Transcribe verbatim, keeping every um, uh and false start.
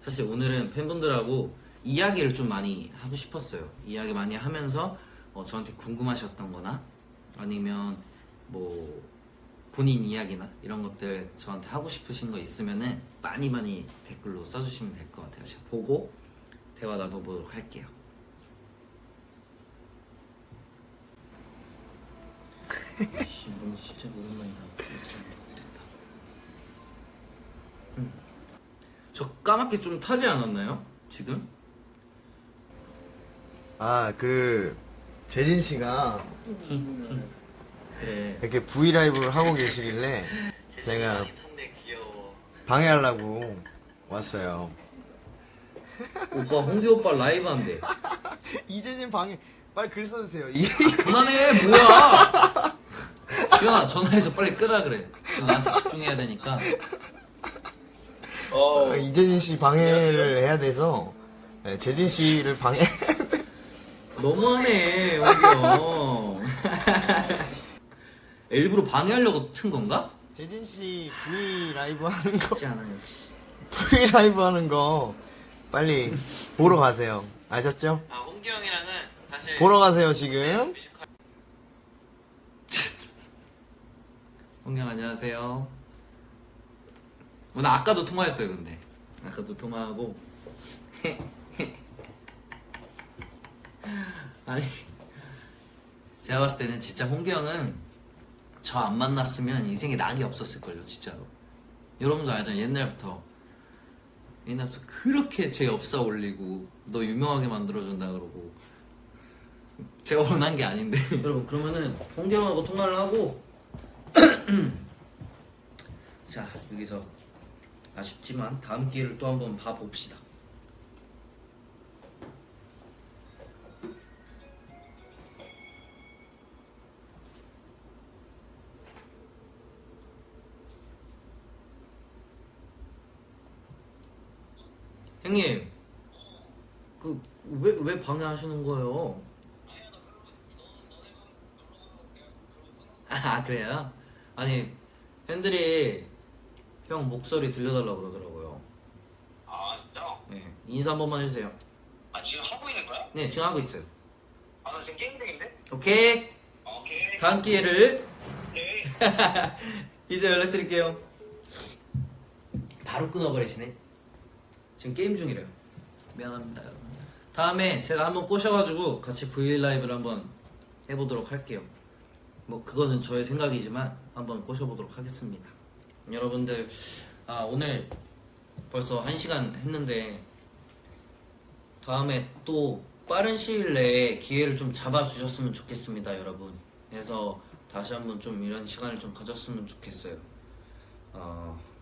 사실 오늘은 팬분들하고 이야기를 좀 많이 하고 싶었어요. 이야기 많이 하면서 어, 저한테 궁금하셨던 거나 아니면 뭐 본인 이야기나 이런 것들 저한테 하고 싶으신 거 있으면은 많이 많이 댓글로 써주시면 될 것 같아요. 제가 보고 대화 나눠보도록 할게요. 씨, 이건 진짜 오랜만이다. 됐다. 음. 저 까맣게 좀 타지 않았나요? 지금? 아, 그 재진 씨가 그래. 이렇게 브이라이브를 하고 계시길래 제가 방해하려고 왔어요. 오빠 홍기 오빠 라이브 한대. 이재진 방해, 빨리 글 써주세요. 이 그만해 뭐야? 기현아 전화해서 빨리 끄라 그래. 저 나한테 집중해야 되니까. 어, 이재진 씨 방해를 해야 돼서 네, 재진 씨를 방해. 너무하네 홍기 형. 일부러 방해하려고 튼 건가? 재진 씨 브이라이브 하는 거, 쉽지 않아요. 씨. 브이라이브 하는 거 빨리 보러 가세요. 아셨죠? 아 홍기 형이랑은 사실 보러 가세요 지금. 홍기 형 안녕하세요. 오늘 아까도 통화했어요. 근데 아까도 통화하고 아니 제가 봤을 때는 진짜 홍기 형은 저 안 만났으면 인생에 낙이 없었을걸요. 진짜로. 여러분도 알잖아요. 옛날부터 옛날부터 그렇게 제 엽사 올리고 너 유명하게 만들어준다 그러고 제가 원한 게 아닌데. 여러분 그러면은 홍기 형하고 통화를 하고 자 여기서 아쉽지만 다음 기회를 또 한번 봐봅시다. 형님 그 왜 왜 방해하시는 거예요? 아 그래요? 아니 팬들이 형 목소리 들려달라고 그러더라고요. 아 진짜? 네 인사 한 번만 해주세요. 아 지금 하고 있는 거야? 네 지금 하고 있어요. 아 나 지금 게임 중인데? 오케이 아, 오케이 다음 기회를 오케이 이제 연락드릴게요. 바로 끊어버리시네. 지금 게임 중이래요. 미안합니다 여러분. 다음에 제가 한번 꼬셔가지고 같이 브이라이브를 한번 해보도록 할게요. 뭐 그거는 저의 생각이지만 한번 꼬셔보도록 하겠습니다. 여러분들 아 오늘 벌써 한 시간 했는데 다음에 또 빠른 시일 내에 기회를 좀 잡아주셨으면 좋겠습니다 여러분. 그래서 다시 한번 좀 이런 시간을 좀 가졌으면 좋겠어요. 어...